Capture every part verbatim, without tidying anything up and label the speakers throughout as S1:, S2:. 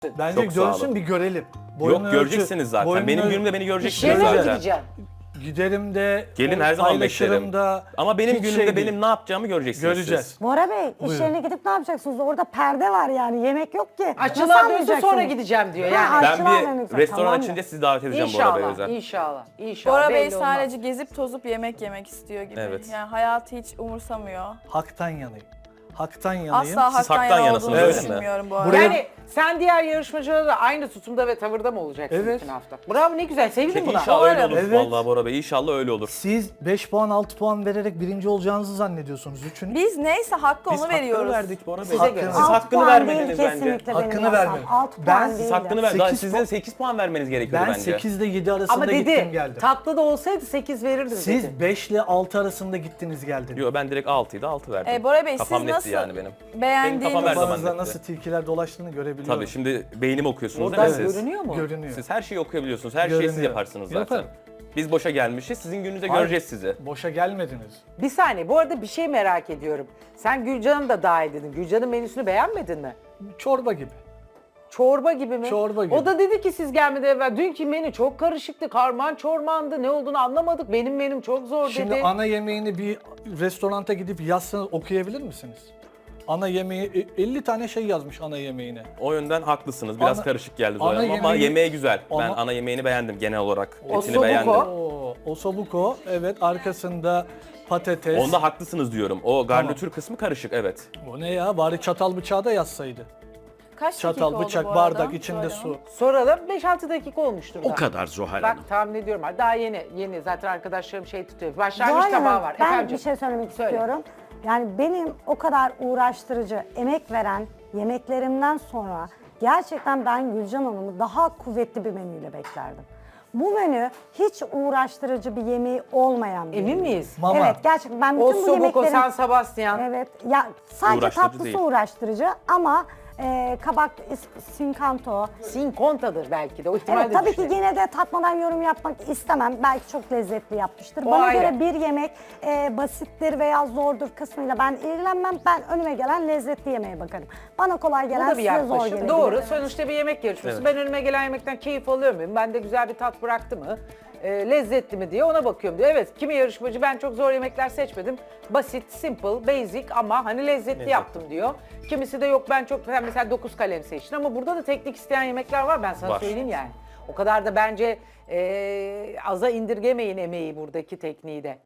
S1: Bence
S2: Çok sağ olun.
S1: görsün bir görelim.
S2: Yok göreceksiniz zaten. Benim günümde beni göreceksiniz
S3: İşe mi
S2: zaten.
S3: gideceksin?
S1: Giderim de,
S2: Gelin her zaman
S1: paylaşırım
S2: beklerim.
S1: da.
S2: Ama benim
S1: hiç
S2: günümde
S1: şey değil.
S2: benim ne yapacağımı göreceksiniz
S1: Göreceğiz.
S2: siz.
S4: Bora Bey, iş
S1: Buyurun.
S4: yerine gidip ne yapacaksınız? Orada perde var yani, yemek yok ki.
S3: Açılan
S4: Nasıl
S3: dönse sonra
S4: anlayacaksınız?
S3: gideceğim diyor
S4: Ha,
S3: yani.
S4: aç-
S2: Ben
S4: Açılan
S2: bir
S4: demek
S2: restoran
S4: tamam
S2: açınca
S4: mı?
S2: sizi davet edeceğim Bora Bey
S3: İnşallah,
S2: özel.
S3: inşallah, inşallah.
S5: Bora Bey
S3: belli olmaz.
S5: sadece gezip tozup yemek yemek istiyor gibi.
S2: Evet.
S5: Yani hayatı hiç umursamıyor.
S1: Haktan yanayım. Haktan yanayım.
S5: Asla
S2: Siz
S5: haktan,
S2: haktan
S5: yana
S2: yanasınız,
S5: olduğunu
S2: öyle mi?
S5: düşünmüyorum bu arada.
S1: Buraya-
S3: Yani sen diğer yarışmacılara da aynı tutumda ve tavırda mı olacaksın
S1: Evet.
S3: bütün hafta? Bravo, ne güzel, sevindim buna.
S2: İnşallah öyle
S5: Umarım.
S2: olur
S1: Evet.
S2: vallahi Bora Bey. İnşallah öyle olur.
S1: Siz beş puan altı puan vererek birinci olacağınızı zannediyorsunuz. Üçünüz.
S5: Biz neyse hakkı
S2: Biz
S5: onu
S2: hakkını
S5: veriyoruz.
S2: verdik Bora Bey.
S3: Size göre.
S2: Siz
S4: Alt
S2: hakkını
S4: puan
S2: vermediniz
S4: değil
S2: bence.
S4: kesinlikle
S1: Hakkını
S4: benim
S1: vermedim.
S4: yasam. Alt
S1: Ben-
S4: puan
S1: Siz
S2: Siz
S4: değil.
S2: hakkını ver. Daha
S1: Sekiz
S2: sizin
S1: puan-
S2: sekiz puan vermeniz gerekiyordu
S1: Ben
S2: bence.
S1: sekiz ile yedi arasında
S3: Ama
S1: gittim
S3: dedi,
S1: geldim.
S3: tatlı da olsaydı sekiz verirdim dedi.
S1: Siz beş ile altı arasında gittiniz geldiniz.
S2: Yo ben direkt altıydı altı verdim.
S5: E, Bora Bey
S2: Kafam
S5: siz
S2: netti
S5: nasıl
S2: yani benim.
S5: beğendiğiniz...
S2: Benim kafam her zaman
S1: Kafanızda
S2: netti.
S1: nasıl tilkiler dolaştığını görebiliyorum.
S2: Tabii şimdi beynimi okuyorsunuz
S3: Oradan
S2: değil mi siz?
S3: görünüyor mu?
S1: Görünüyor.
S2: Siz her şeyi okuyabiliyorsunuz. Her şeyi siz
S1: Görünüyor.
S2: yaparsınız zaten.
S1: Yaparım.
S2: Biz boşa gelmişiz. Sizin gününüzde
S1: Hayır,
S2: göreceğiz sizi.
S1: Boşa gelmediniz.
S3: Bir saniye, bu arada bir şey merak ediyorum. Sen Gülcan'ı da dahil dedin. Gülcan'ın menüsünü beğenmedin mi?
S1: Çorba gibi.
S3: Çorba gibi mi?
S1: Çorba gibi.
S3: O da dedi ki siz gelmeden evvel dünkü menü çok karışıktı, karman çormandı, ne olduğunu anlamadık. Benim menüm çok zor
S1: Şimdi
S3: dedi.
S1: ana yemeğini bir restoranta gidip yazsanız okuyabilir misiniz? Ana yemeği e, elli tane şey yazmış ana yemeğine.
S2: O yönden haklısınız. Biraz
S1: Ana-
S2: karışık geldi
S1: ana
S2: Zoran Hanım ama
S1: yemeği-
S2: yemeği güzel. Ben
S1: Ama-
S2: ana yemeğini beğendim genel olarak. Etini
S3: Ossobuco.
S2: beğendim.
S1: Oo, osobuco, evet, arkasında patates.
S2: Onda haklısınız diyorum. O garnitür kısmı karışık evet.
S1: O ne ya? Bari çatal bıçağı da yazsaydı.
S5: Kaç dakika
S1: Çatal,
S5: oldu
S1: bıçak,
S5: bu
S1: bardak,
S5: arada?
S1: içinde
S5: Söyle
S1: su.
S5: mi?
S3: Soralım, beş altı dakika olmuştur.
S6: O kadar Zuhal
S3: Bak
S6: Hanım.
S3: tahmin ediyorum. Daha yeni, yeni. Zaten arkadaşlarım şey tutuyor. Başlangıç
S4: Zuhal
S3: tabağı
S4: Hanım,
S3: var.
S4: ben
S3: Efendim?
S4: bir şey söylemek
S3: Söyle.
S4: istiyorum. Yani benim o kadar uğraştırıcı, emek veren yemeklerimden sonra gerçekten ben Gülcan Hanım'ı daha kuvvetli bir menüyle beklerdim. Bu menü hiç uğraştırıcı bir yemeği olmayan bir
S3: Emin
S4: menü.
S3: miyiz?
S1: Mama.
S4: Evet, gerçekten ben bütün bu
S3: Ossobuco,
S4: yemeklerin...
S3: San Sebastian.
S4: Evet, ya sadece
S2: Uğraştırıcı
S4: tatlısı
S2: değil.
S4: uğraştırıcı ama e, kabak, is- sinkanto.
S3: Sincontadır belki de. O ihtimalle
S4: Evet, tabii ki
S3: düşünelim.
S4: yine de tatmadan yorum yapmak istemem. Belki çok lezzetli yapmıştır.
S3: O
S4: Bana
S3: ayrı.
S4: göre bir yemek e, basittir veya zordur kısmıyla ben ilgilenmem. Ben önüme gelen lezzetli yemeğe bakarım. Bana kolay
S3: Bu
S4: gelen
S3: da bir
S4: size zor
S3: yaklaşım.
S4: gelebilir.
S3: Doğru. Sonuçta bir yemek yarışması.
S2: Evet.
S3: Ben önüme gelen yemekten keyif alıyor muyum? Bende güzel bir tat bıraktı mı? E, lezzetli mi diye ona bakıyorum diyor. Evet, kimi yarışmacı ben çok zor yemekler seçmedim. Basit, simple, basic ama hani lezzetli yaptım diyor. Kimisi de yok ben çok sen mesela dokuz kalem seçtin ama burada da teknik isteyen yemekler var, ben sana
S2: Var.
S3: söyleyeyim yani. O kadar da bence e, aza indirgemeyin emeği buradaki tekniği de.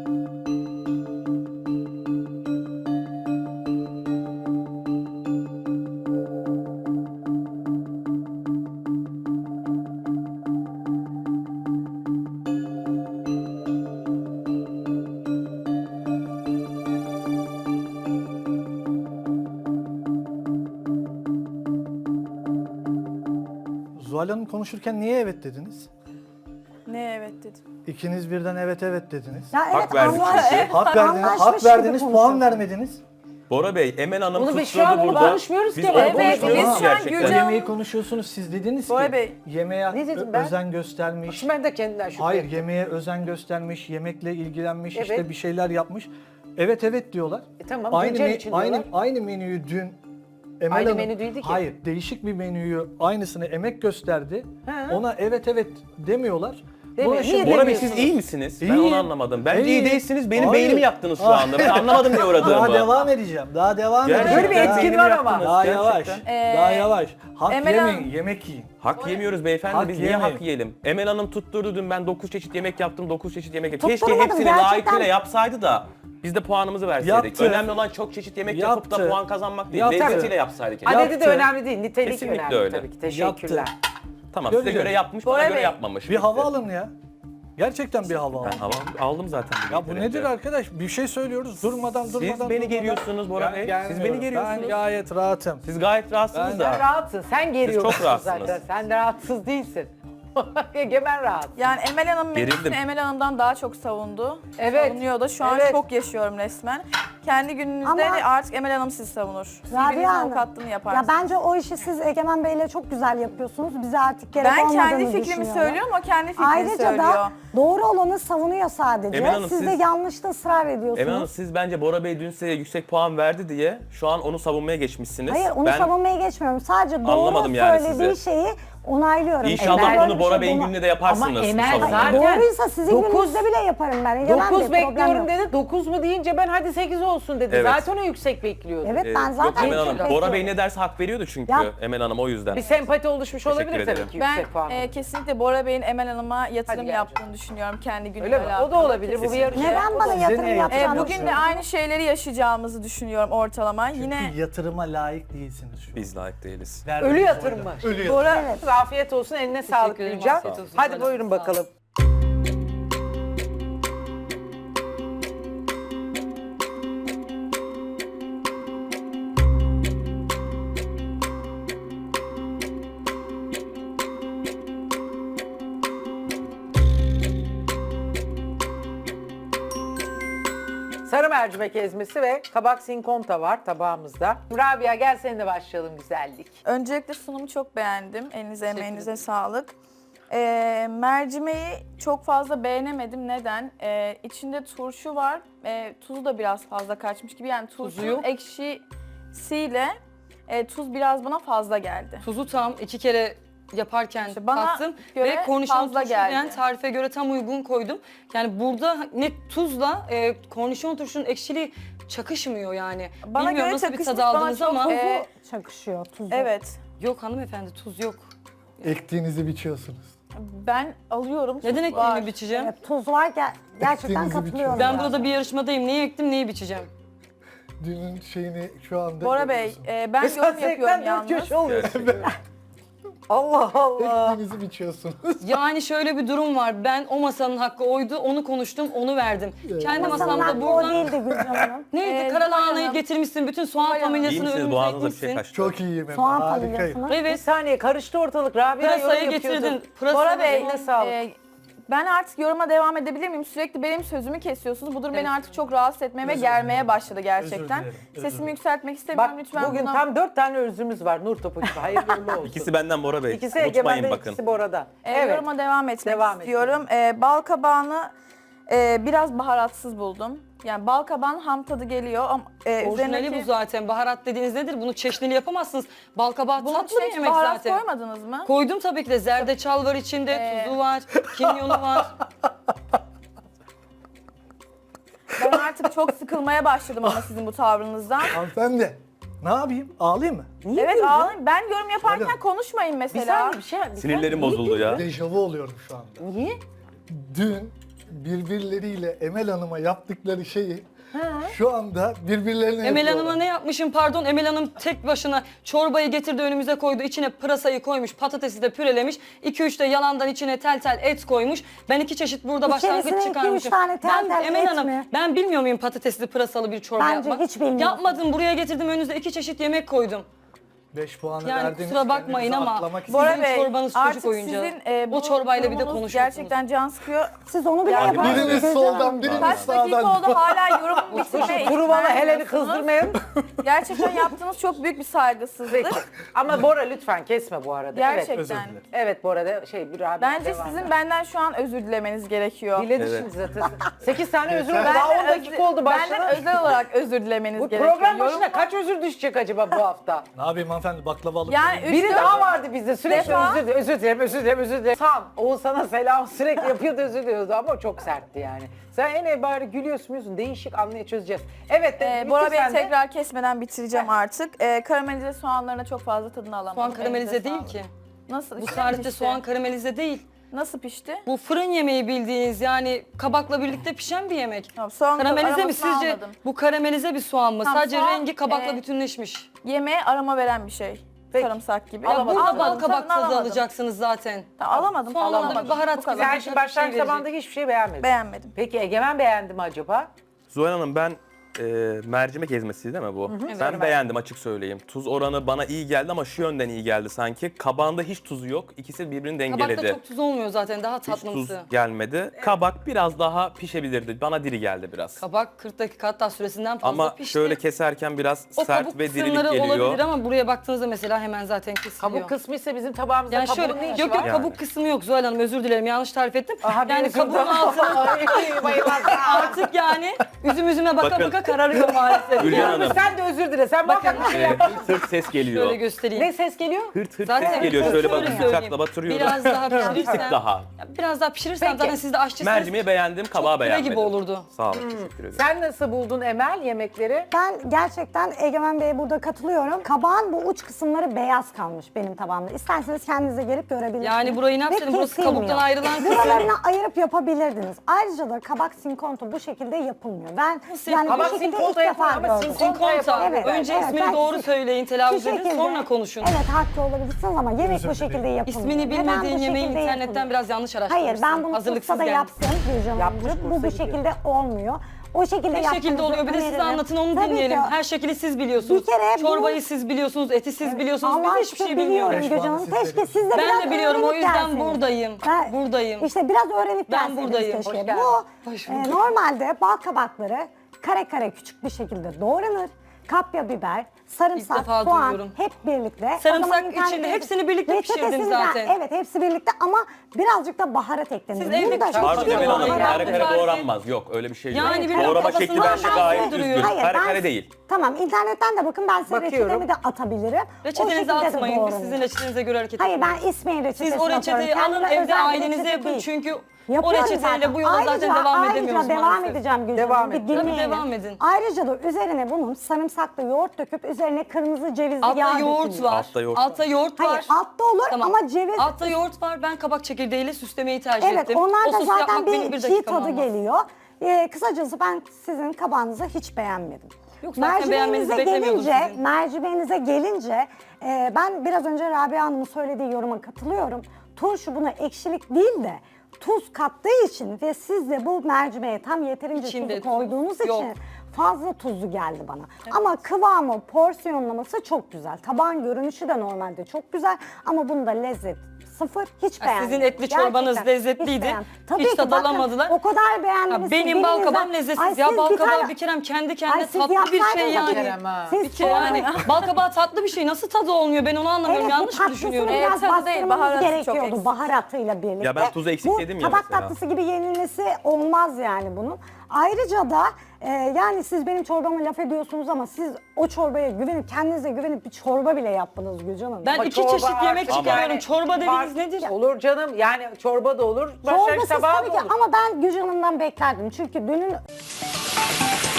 S1: Zuhal Hanım konuşurken niye evet dediniz?
S5: Ne evet dedim.
S1: İkiniz birden evet evet dediniz.
S4: Ya evet,
S2: Hak verdik
S4: anlaş-
S2: çünkü.
S1: Hak verdiniz,
S4: anlaşmış
S1: hak
S4: gibi
S1: verdiniz, puan
S4: konuşuyoruz.
S1: vermediniz.
S2: Bora Bey, Emel Hanım
S3: Bunu biz şu
S2: tutturdu
S3: an bunu
S2: burada.
S3: konuşmuyoruz
S2: Biz
S3: ki.
S2: onu
S3: Evet,
S2: konuşmuyoruz
S5: biz şu an
S2: gerçekten.
S1: O
S5: Gülcan-
S1: yemeği konuşuyorsunuz, siz dediniz
S5: Bora
S1: ki
S5: Bey.
S1: yemeğe
S3: Ne dedim
S1: ö-
S3: ben?
S1: özen göstermiş.
S3: Şimdi ben de kendinden şüphe
S1: Hayır,
S3: ettim.
S1: yemeğe özen göstermiş, yemekle ilgilenmiş,
S3: Evet.
S1: işte bir şeyler yapmış. Evet evet diyorlar.
S3: E tamam,
S1: aynı
S3: Gülcan
S1: me-
S3: için
S1: aynı
S3: diyorlar.
S1: aynı menüyü dün Emel
S3: Aynı
S1: Hanım,
S3: menü değildi ki.
S1: Hayır, değişik bir menüyü aynısını emek gösterdi.
S3: He.
S1: Ona evet evet demiyorlar.
S3: Demiyor.
S1: Buna
S3: Niye
S1: şimdi-
S2: Bora Bey siz
S3: demiyorsunuz?
S2: iyi misiniz? Ben
S1: İyiyim.
S2: onu anlamadım. Bence iyi
S1: İyiyim.
S2: değilsiniz. Benim
S1: Hayır.
S2: beynimi yaktınız şu
S1: Hayır.
S2: anda. Ben anlamadım ne uğradığımı.
S1: Daha devam edeceğim. Daha devam
S2: Gerçekten
S1: edeceğim.
S3: Böyle bir etkin
S2: beynimi
S3: var ama.
S2: yaktınız,
S1: Daha
S2: gerçekten.
S1: yavaş.
S5: Ee,
S1: daha yavaş. Hak
S5: Emel
S1: yemeyin,
S5: Hanım-
S1: yemek yiyin.
S2: Hak yemiyoruz beyefendi.
S1: Hak
S2: Biz niye
S1: yemeyin.
S2: hak yiyelim? Emel Hanım tutturdu dün ben dokuz çeşit yemek yaptım, dokuz çeşit yemek yaptım. Keşke
S4: Tutturmadım,
S2: hepsini
S4: gerçekten.
S2: layıkıyla yapsaydı da biz de puanımızı verseydik.
S1: Yaptı.
S2: Önemli olan çok çeşit yemek yapıp da
S1: Yaptı.
S2: puan kazanmak değil.
S1: Yaptı.
S2: Lezzetiyle yapsaydı keşke.
S3: Adedi de
S1: Yaptı.
S3: önemli değil, nitelik
S2: Kesinlikle
S3: önemli
S2: öyle.
S3: tabii ki. Teşekkürler.
S1: Yaptı.
S2: Tamam size
S1: Göreceğiz.
S2: göre yapmış,
S5: Bora
S2: bana göre
S5: Bey,
S2: yapmamış.
S1: Bir
S2: Bitti.
S1: hava alın ya. Gerçekten bir hava alın.
S2: Ben hava aldım zaten.
S1: Ya bu
S2: yeterince.
S1: nedir arkadaş? Bir şey söylüyoruz durmadan
S2: Siz
S1: durmadan.
S2: beni
S1: durmadan.
S2: geriyorsunuz Bora
S1: Ben
S2: Bey. Siz
S1: gelmiyorum.
S2: beni geriyorsunuz.
S1: Ben gayet rahatım.
S2: Siz gayet rahatsınız
S1: Ben-
S2: da.
S3: Sen rahatsın, sen geriyorsun
S2: çok rahatsınız.
S3: zaten. Sen de rahatsız değilsin. Egemen rahat.
S5: Yani Emel Hanım
S2: Gerildim.
S5: menüsünü Emel Hanım'dan daha çok savundu.
S3: Evet.
S5: Savunuyor da şu an
S3: Evet.
S5: çok yaşıyorum resmen. Kendi gününüzde
S4: Ama-
S5: de artık Emel Hanım sizi savunur.
S4: Rabia
S5: Birbirinizin
S4: Hanım,
S5: avukatlığını
S4: ya
S5: yaparsınız.
S4: bence o işi siz Egemen Bey'le çok güzel yapıyorsunuz. Bize artık gerek
S5: Ben
S4: olmadığını
S5: kendi fikrimi
S4: düşünüyorum.
S5: söylüyorum, o kendi fikrini
S4: Ayrıca
S5: söylüyor.
S4: da doğru olanı savunuyor sadece.
S2: Emel Hanım,
S4: siz, de
S2: siz-
S4: yanlışta ısrar ediyorsunuz.
S2: Emel Hanım siz bence Bora Bey dün size yüksek puan verdi diye şu an onu savunmaya geçmişsiniz.
S4: Hayır onu
S2: ben
S4: savunmaya geçmiyorum. Sadece doğru
S2: Anlamadım yani
S4: söylediği
S2: sizi.
S4: şeyi onaylıyorum.
S2: İnşallah
S4: Eğer böyle
S2: bunu
S4: bir
S2: Bora
S4: şey
S2: Bey'in
S4: buna-
S2: gününde de yaparsınız.
S3: Ama
S2: bu
S3: Emel
S2: savunmayı.
S3: zaten-
S4: Doğruysa sizin
S3: Dokuz-
S4: gününüzde bile yaparım ben. Egemen
S3: dokuz
S4: Bey, problem
S3: bekliyorum
S4: yok.
S3: dedi. dokuz mu deyince ben hadi sekiz olsun dedi.
S2: Evet.
S3: Zaten o yüksek bekliyordu.
S4: Evet
S2: Ee,
S4: ben
S2: Yok
S4: zaten
S2: Emel
S4: çok
S2: Hanım,
S4: bekliyorum.
S2: Bora Bey ne derse hak veriyordu çünkü
S4: Ya-
S2: Emel Hanım o yüzden.
S3: Bir sempati oluşmuş
S2: Teşekkür
S3: olabilir
S2: ederim.
S3: tabii ki
S5: Ben
S3: yüksek puan.
S5: e, kesinlikle Bora Bey'in Emel Hanım'a yatırım
S3: Hadi gel
S5: yaptığını düşünüyorum kendi günüyle
S3: Öyle mi? O da
S5: alakalı.
S3: olabilir. Bu bir
S5: Kesinlikle.
S3: yarışma.
S4: Neden bana yatırım
S1: neye
S5: E,
S4: yapacağını
S5: bugün de aynı şeyleri yaşayacağımızı düşünüyorum ortalama. Yine
S1: Çünkü yatırıma layık değilsiniz şu an.
S2: Biz layık değiliz.
S1: Verdiğiniz
S3: Ölü yatırım
S1: oyla.
S3: mı?
S1: Ölü yatırım.
S3: Bora,
S4: Evet.
S3: afiyet olsun, eline sağlık
S6: ederim,
S3: Gülcan.
S6: afiyet olsun.
S3: Hadi
S6: Sağ
S3: buyurun
S6: olun.
S3: bakalım. Sarı mercimek ezmesi ve kabak sinkomta var tabağımızda. Rabia gel seninle başlayalım güzellik.
S5: öncelikle sunumu çok beğendim. Elinize emeğinize sağlık. E, mercimeği çok fazla beğenemedim. Neden? E, içinde turşu var. E, tuzu da biraz fazla kaçmış gibi. Yani tuzun
S6: yok.
S5: ekşisiyle e, tuz biraz bana fazla geldi.
S6: Tuzu tam iki kere yaparken
S5: İşte bana
S6: tattım
S5: göre
S6: ve kornişon
S5: fazla
S6: turşu
S5: geldi.
S6: yani tarife göre tam uygun koydum. Yani burada ne tuzla e, kornişon turşunun ekşiliği çakışmıyor yani.
S5: Bana
S6: Bilmiyorum
S5: göre
S6: nasıl bir
S5: çakışmış,
S6: tad
S5: bana
S6: aldınız
S5: çok
S6: ama
S5: tuzu-
S4: Tuzu
S5: Ee,
S4: çakışıyor, tuzu.
S5: Evet.
S6: yok hanımefendi tuz yok.
S1: Ektiğinizi biçiyorsunuz.
S5: Ben alıyorum.
S6: Neden
S5: tuz var.
S6: ekmeğimi biçeceğim?
S4: Evet, tuz var ger- gerçekten
S1: Ektiğinizi
S4: katılıyorum.
S6: Ben
S4: yani.
S6: burada bir yarışmadayım. Neyi ektim, neyi biçeceğim?
S1: Dünün şeyini şu anda
S5: Bora Bey,
S1: görüyorsun.
S5: e, ben
S3: Mesela
S5: yorum yapıyorum
S3: seksen dört
S5: yalnız.
S3: köşe oluyorsun.
S2: Gerçekten.
S3: Allah Allah.
S1: Ektiğinizi biçiyorsunuz.
S6: Yani şöyle bir durum var. Ben o masanın hakkı oydu, onu konuştum, onu verdim. Kendi
S4: Masanın
S6: masamda
S4: hakkı o
S6: buradan...
S4: değildi Gülcan Hanım.
S6: Neydi?
S5: Ee,
S6: Karalahanayı
S5: Zuhal Hanım.
S6: getirmişsin, bütün soğan
S5: Zuhal Hanım.
S2: İyi
S6: familyasını
S2: misiniz?
S6: önümüze
S2: Boğazınızda bir şey
S6: ekmişsin.
S2: kaçtı.
S1: Çok iyiyim Emel.
S4: Soğan
S1: Harikayım.
S4: familyasını.
S3: Bir
S6: Evet.
S3: saniye karıştı ortalık. Rabia
S6: Pırasayı
S3: yorum yapıyordu.
S6: getirdin. Pırasayı
S5: Bora Bey,
S3: Eline sağlık.
S5: e, ben artık yoruma devam edebilir miyim? Sürekli benim sözümü kesiyorsunuz. Bu durum beni artık çok rahatsız etmeye ve germeye başladı gerçekten.
S1: dilerim, özür
S5: Sesimi
S1: dilerim.
S5: yükseltmek istemiyorum.
S3: Bak
S5: Lütfen
S3: bugün
S5: buna...
S3: tam dört tane özrümüz var nur topu gibi. Hayırlı uğurlu olsun.
S2: İkisi benden Bora Bey.
S3: İkisi
S2: Unutmayın
S3: Egemen'de,
S2: bakın.
S3: ikisi Bora'da.
S5: E,
S3: Evet.
S5: Yoruma devam etmek
S3: Devam et.
S5: istiyorum. E, bal kabağını e, biraz baharatsız buldum. Yani bal kabağın ham tadı geliyor ama e,
S6: Orijinali
S5: üzerindeki...
S6: bu zaten. Baharat dediğiniz nedir? Bunu çeşnili yapamazsınız. Bal kabağı
S5: Bunun
S6: tatlı
S5: içine
S6: bir
S5: hiç
S6: yemek
S5: baharat
S6: zaten.
S5: koymadınız mı?
S6: Koydum tabii ki de. Zerdeçal var içinde,
S5: Ee.
S6: tuzu var, kimyonu var.
S5: Ben artık çok sıkılmaya başladım ama sizin bu tavrınızdan.
S1: Hanımefendi ne yapayım? Ağlayayım mı?
S5: Evet ağlayın. Ben yorum yaparken
S1: Söyle.
S5: konuşmayın
S3: Bir
S5: mesela.
S3: saniye bir şey. bir
S2: Sinirlerim
S3: saniye.
S2: bozuldu ya.
S1: Dejavu oluyorum şu anda.
S3: Niye?
S1: Dün birbirleriyle Emel Hanım'a yaptıkları şeyi şu anda birbirlerine
S6: Emel
S1: yapıyorlar.
S6: Hanım'a ne yapmışım pardon? Emel Hanım tek başına çorbayı getirdi önümüze koydu. İçine pırasayı koymuş, patatesi de pürelemiş. iki üç de yalandan içine tel tel et koymuş. Ben iki çeşit burada
S4: İçerisine
S6: başlangıç
S4: iki, üç
S6: çıkarmışım.
S4: tane tel
S6: ben,
S4: tel
S6: Emel
S4: et
S6: Hanım,
S4: mi?
S6: ben bilmiyor muyum patatesli pırasalı bir çorba
S4: Bence
S6: yapmak?
S4: hiç bilmiyorsun.
S6: Yapmadım, buraya getirdim önünüze iki çeşit yemek koydum.
S1: beş puanı
S6: Yani
S1: verdiniz.
S6: kusura bakmayın
S1: kendinizi
S6: ama
S1: atlamak
S6: Sizin
S5: Bora Bey,
S6: çorbanız
S5: artık
S6: çocuk oyuncağı.
S5: sizin e, bu
S6: O çorbayla bir de
S5: durumunuz
S6: konuşuyorsunuz.
S5: gerçekten can sıkıyor.
S4: Siz onu bile
S5: Yani
S4: yaparsınız.
S1: Biriniz
S4: Gülcan
S1: soldan,
S4: Hanım.
S1: biriniz
S5: Kaç dakika
S1: sağdan.
S5: oldu hala yorum bitirmeye
S3: Kuru bana
S5: ikna
S3: Helen'i
S5: ediyorsunuz.
S3: kızdırmayın.
S5: Gerçekten yaptığınız çok büyük bir saygısızlık.
S3: Peki. Ama Bora lütfen kesme bu arada. Evet.
S5: Gerçekten.
S1: özür dilerim.
S3: Evet Bora da şey bir abi.
S5: Bence
S3: devam
S5: sizin
S3: et.
S5: benden şu an özür dilemeniz gerekiyor.
S3: Diledi
S2: Evet.
S3: şimdi zaten. sekiz tane özür
S1: Yeter.
S3: oldu. Daha on
S5: Benden
S3: dakika
S5: özür-
S3: oldu başladı.
S5: Benden özel olarak özür dilemeniz
S3: Bu
S5: gerekiyor.
S3: program
S5: Yorum-
S3: başına kaç özür düşecek acaba bu hafta?
S1: Ne yapayım hanımefendi baklava alıp
S5: Yani
S1: geleyim.
S5: üç
S3: Biri
S5: dört-
S3: daha vardı bizde sürekli
S5: Defa-
S3: özür dilerim, özür dilerim, özür dilerim, özür dilerim. San, Oğuz sana selam sürekli yapıyordu özür diliyordu ama çok sertti yani. Sen en bari gülüyorsun, gülüyorsun. Değişik anlaya çözeceğiz. Evet,
S5: Ee,
S3: bitti
S5: Bora Bey
S3: sende.
S5: tekrar kesmeden bitireceğim artık. Ee, karamelize soğanlarına çok fazla tadını alamadım.
S6: Soğan karamelize
S5: Elinize
S6: değil
S5: sağlık.
S6: ki.
S5: Nasıl?
S6: Bu
S5: İşte
S6: tarifte
S5: pişti.
S6: soğan karamelize değil.
S5: Nasıl pişti?
S6: Bu fırın yemeği bildiğiniz yani kabakla birlikte pişen bir yemek.
S5: Tamam, soğan
S6: Karamelize mi
S5: aromasını
S6: sizce?
S5: almadım.
S6: Bu karamelize bir soğan mı?
S5: Tamam,
S6: Sadece
S5: soğan,
S6: rengi kabakla
S5: e,
S6: bütünleşmiş.
S5: Yemeğe aroma veren bir şey.
S3: Peki.
S5: Sarımsak gibi.
S6: Ya
S3: Alamadım.
S6: burada
S5: Alamadım,
S6: bal kabak
S5: tadını
S6: tadı
S5: alamadım.
S6: alacaksınız zaten.
S5: Tamam, alamadım.
S6: Soğanla
S5: alamadım.
S6: bir baharat
S5: Bu kadar.
S6: gibi.
S3: Sen
S6: bir
S3: şimdi
S6: şey
S3: başlangıç
S6: verecek.
S3: zamandaki hiçbir şey beğenmedin.
S5: Beğenmedim.
S3: Peki Egemen beğendi mi acaba?
S2: Zuhal Hanım ben e, mercimek ezmesi değil mi bu?
S3: Evet.
S2: Ben beğendim açık söyleyeyim. Tuz oranı bana iyi geldi ama şu yönden iyi geldi sanki. Kabağında hiç tuzu yok. İkisi birbirini dengeledi.
S6: Kabakta çok tuz olmuyor zaten, daha
S2: Hiç tuz
S6: tatlımsı.
S2: gelmedi. Kabak biraz daha pişebilirdi. Bana diri geldi biraz.
S6: Kabak kırk dakika hatta süresinden fazla
S2: Ama
S6: pişti.
S2: şöyle keserken biraz
S6: o
S2: sert
S6: kabuk
S2: ve dirilik
S6: kısımları
S2: geliyor.
S6: olabilir ama buraya baktığınızda mesela hemen zaten kesiliyor.
S3: Kabuk kısmı ise bizim tabağımızda
S6: yani
S3: kabuğun
S6: şöyle,
S3: ne
S6: yok
S3: işi
S6: yok
S3: var?
S6: kabuk
S2: Yani.
S6: kısmı yok Zuhal Hanım, özür dilerim, yanlış tarif ettim.
S3: Aha, bir
S6: yani
S3: özür
S6: kabuğun
S3: dilerim.
S6: altına
S3: Ay, bayılmaz.
S6: artık yani üzüm üzüme baka
S2: Bakın.
S6: baka kararıyor maalesef.
S2: Gülcan
S6: Yani.
S2: Hanım.
S3: Sen de özür dile. Sen
S6: Bakın.
S3: muhakkak bir şey
S2: Ee,
S3: yap.
S2: hırt hırt ses geliyor.
S6: Şöyle göstereyim.
S3: Ne ses geliyor?
S2: Hırt hırt
S6: Zaten
S2: ses geliyor. Şöyle bakın
S6: söyleyeyim.
S2: bıçakla batırıyorum.
S6: Biraz daha
S2: Bir
S6: pişirirsen.
S2: tık daha.
S6: Biraz daha pişirirsen
S3: Peki.
S6: zaten siz de aşçısınız.
S2: Mercimeği beğendim, kabağı
S6: püre
S2: beğenmedim.
S6: gibi olurdu.
S2: Sağ olun, teşekkür ederim.
S3: Sen nasıl buldun Emel yemekleri?
S4: Ben gerçekten Egemen Bey'e burada katılıyorum. Kabağın bu uç kısımları beyaz kalmış benim tabağımda. İsterseniz kendinize gelip görebilirsiniz.
S6: Yani burayı ne
S4: Ve
S6: yapsaydın? Burası
S4: kesilmiyor.
S6: kabuktan ayrılan kısım.
S4: Buralarını ayırıp yapabilirdiniz. Ayrıca da kabak sinkonto bu şekilde yapılmıyor. Ben yani
S3: Kabak
S4: bu şekilde ilk
S3: sinkonto
S4: defa
S3: yapılıyor ama
S4: gördüm.
S3: sinkonto
S6: Sinkonta.
S3: Evet,
S6: Önce
S4: evet,
S6: ismini
S4: ben
S6: doğru
S4: şu-
S6: söyleyin,
S4: şu
S6: telaffuz edin,
S4: şekilde-
S6: sonra konuşun.
S4: Evet, haklı olabilirsiniz ama yemek bu şekilde yapılmıyor.
S6: İsmini
S4: Ve ben bu
S6: bilmediğin yemeği
S4: şekilde
S6: internetten
S4: yapılıyor.
S6: biraz yanlış araştırmışsın.
S4: Hayır, ben bunu
S6: Hazırlıksız
S4: Bursa'da
S6: gelmişsin.
S4: yaptım Gülcan
S3: Yapmış,
S4: Hanımcığım. Bu
S3: Bursa
S4: bu
S3: gidiyor.
S4: şekilde olmuyor. O şekilde
S6: Ne şekilde
S4: yaptığınızı
S6: oluyor? Bir de size
S4: öneririm.
S6: anlatın, onu
S4: Tabii
S6: dinleyelim.
S4: ki.
S6: Her şekli siz biliyorsunuz.
S4: Bir kere bu-
S6: Çorbayı siz biliyorsunuz, eti siz biliyorsunuz.
S4: Allah
S6: Biz hiçbir şey
S4: aşkına biliyorum
S6: bilmiyoruz.
S4: Gülcan Hanım.
S1: Beş puanı
S4: Keşke
S1: siz
S4: siz de
S6: Ben
S4: biraz
S6: de biliyorum, o
S4: öğrenip
S6: yüzden
S4: gelseniz.
S6: buradayım.
S4: Ben-
S6: Buradayım.
S4: İşte biraz öğrenip
S6: Ben
S4: gelseniz
S6: buradayım.
S4: keşke.
S3: Hoş geldin.
S4: Bu
S6: Hoş
S4: e,
S6: bulduk.
S4: normalde bal kabakları kare kare küçük bir şekilde doğranır. Kapya biber, sarımsak,
S6: defa
S4: soğan
S6: duyuyorum.
S4: hep birlikte. O
S6: Sarımsak
S4: zaman internette-
S6: içinde, hepsini birlikte
S4: Reçetesini
S6: pişirdim
S4: ben-
S6: zaten.
S4: Evet, hepsi birlikte ama birazcık da baharat eklenir.
S6: Siz
S4: Bunu
S6: evde
S4: da
S6: küçük
S4: çok
S2: Pardon
S6: Pardon,
S2: Emel Hanım,
S6: baharat
S2: kare kare
S6: tarifi-
S2: doğranmaz. Yok öyle bir şey yok.
S6: Yani bir
S2: Doğrama
S6: kafasından
S2: şekli bence
S6: ben
S2: gayet
S6: duruyor.
S2: düzgün.
S4: Hayır,
S2: Kare
S4: ben-
S2: kare değil.
S4: Tamam, internetten de bakın, ben size
S3: Bakıyorum.
S4: reçetemi de atabilirim. O
S6: Reçetenizi
S4: şekilde de
S6: atmayın. Biz
S4: doğranır.
S6: sizin reçetenize göre hareket
S4: Hayır,
S6: ediyoruz.
S4: ben İsmail reçetesini
S6: Siz o reçeteyi
S4: atıyorum.
S6: alın,
S4: Kendime
S6: evde
S4: özel bir
S6: ailenize
S4: reçete
S6: yapın.
S4: değil.
S6: Çünkü o
S4: Yapıyorum
S6: reçeteyle
S4: zaten.
S6: bu yola zaten
S4: Ayrıca-
S6: devam edemiyoruz
S4: Ayrıca devam
S6: maalesef.
S4: edeceğim Gülcan
S3: Devam
S4: Hanım, bir
S3: et.
S4: dinleyin.
S6: Tabii, devam edin.
S4: Ayrıca da üzerine bunun sarımsaklı yoğurt döküp üzerine kırmızı cevizli
S6: Altta
S4: yağ
S6: yoğurt
S4: dökülüyor.
S6: var.
S2: Altta yoğurt
S6: Altta yoğurt var.
S4: Hayır, altta olur ama ceviz...
S6: Altta yoğurt var. Ben kabak çekirdeğiyle süslemeyi tercih
S4: Evet,
S6: ettim.
S4: onlar
S6: O
S4: da
S6: sosu
S4: zaten
S6: yapmak benim
S4: bir
S6: bir
S4: çiğ
S6: dakikamı
S4: tadı
S6: almaz.
S4: geliyor. Ee, kısacası ben sizin kabağınızı hiç beğenmedim.
S6: Yok, zaten beğenmenizi
S4: Mercimeğinize
S6: beklemiyordum
S4: gelince,
S6: sizin.
S4: mercimeğinize gelince e, ben biraz önce Rabia Hanım'ın söylediği yoruma katılıyorum. Turşu buna ekşilik değil de tuz kattığı için ve siz de bu mercimeğe tam yeterince
S6: İçinde
S4: tuzu
S6: tuz
S4: koyduğunuz
S6: yok.
S4: için fazla tuzlu geldi bana. Ama kıvamı, porsiyonlaması çok güzel. Tabağın görünüşü de normalde çok güzel ama bunda lezzet sıfır, hiç
S6: Ha,
S4: beğenmedim.
S6: sizin etli çorbanız
S4: Gerçekten
S6: lezzetliydi.
S4: hiç beğenmedim.
S6: Hiç
S4: ki,
S6: tad
S4: bakın,
S6: alamadılar.
S4: O kadar beğendiniz.
S6: Ha,
S4: ki
S6: benim bal kabağım
S4: birinizden-
S6: lezzetsiz
S4: Ay,
S6: ya.
S4: siz
S6: Bal
S4: bir
S6: kabağı
S4: tane-
S6: bir kerem kendi
S4: Ay,
S6: kendine
S4: siz
S6: tatlı bir
S4: yapsaydınız
S6: şey yani.
S3: Kerem ha.
S4: Siz
S6: Bir kere yani bal kabağı tatlı bir şey. Nasıl tadı olmuyor? Ben onu anlamıyorum.
S4: Evet,
S6: Yanlış
S4: bu
S6: mı
S4: tatlısını
S6: düşünüyorum?
S5: Evet,
S4: biraz
S5: tadı değil,
S4: bastırmanız
S5: baharatı çok
S4: gerekiyordu
S5: eksik.
S4: baharatıyla birlikte.
S2: Ya ben tuzu eksik
S4: bu,
S2: dedim ya
S4: tabak
S2: mesela.
S4: tatlısı gibi yenilmesi olmaz yani bunun. Ayrıca da e, yani siz benim çorbama laf ediyorsunuz ama siz o çorbaya güvenip, kendinize güvenip bir çorba bile yaptınız Gülcan Hanım.
S6: Ben
S3: Ama
S6: iki
S3: çorba
S6: çeşit yemek
S3: artık
S6: çıkarıyorum.
S3: yani
S6: Çorba dediğiniz
S3: fark-
S6: nedir?
S3: Olur canım, yani çorba da olur, başka bir
S4: Çorbasız
S3: tabağı
S4: tabii
S3: da
S4: ki
S3: olur.
S4: ama ben Gülcan Hanım'dan beklerdim. Çünkü dünün